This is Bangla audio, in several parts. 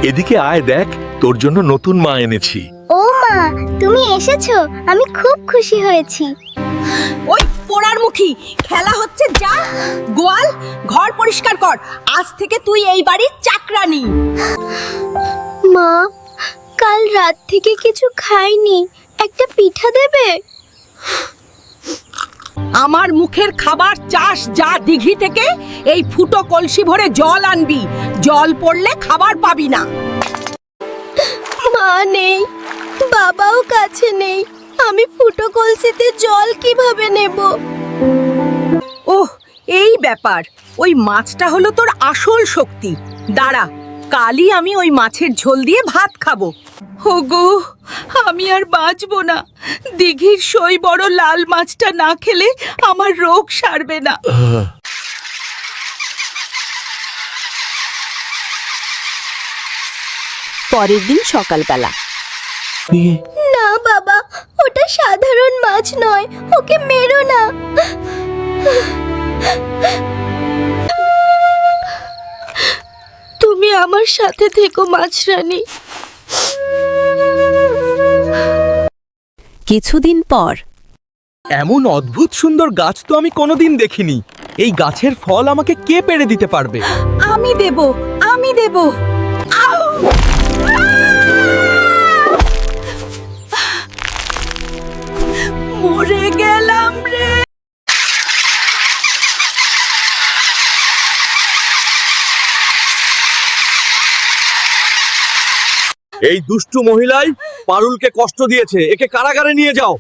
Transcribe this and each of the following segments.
এদিকে আয়, দেখ তোর জন্য নতুন মা এনেছি। ও মা, তুমি এসেছো, আমি খুব খুশি হয়েছি। ওই পোড়ার মুখী, খেলা হচ্ছে যা। গোয়াল ঘর পরিষ্কার কর, আজ থেকে তুই এই বাড়ির চাকরানি। মা, কাল রাত থেকে কিছু খাইনি, একটা পিঠা দেবে? আমার মুখের খাবার চাস যা দিঘি থেকে, এই ফুটো কলসি ভরে জল আনবি। জল পড়লে খাবার পাবি না। মা নেই, বাবাও কাছে নেই, আমি ফুটো কলসিতে জল কিভাবে নেব? ওহ, এই ব্যাপার। ওই মাছটা হলো তোর আসল শক্তি। দাঁড়া, কালই আমি ওই মাছের ঝোল দিয়ে ভাত খাবো। ওগো, আমি আর বাঁচবো না। দিঘির সই বড় লাল মাছটা না খেলে আমার রোগ সারবে না। পরের দিন সকালবেলা না বাবা, ওটা সাধারণ মাছ নয়, ওকে মেরো না। তুমি আমার সাথে থেকো মাছরানী। কিছুদিন পর এমন অদ্ভুত সুন্দর গাছ তো আমি কোনোদিন দেখিনি। এই গাছের ফল আমাকে কে পেড়ে দিতে পারবে? আমি দেব, আমি দেব। আউ! মরে গেলাম রে। এই দুষ্টু মহিলাই পারুলকে কষ্ট দিয়েছে, একে কারাগারে নিয়ে যাও।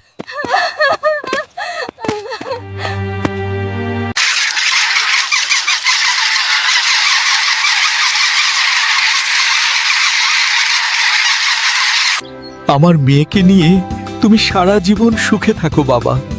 আমার মেয়েকে নিয়ে তুমি সারা জীবন সুখে থাকো বাবা।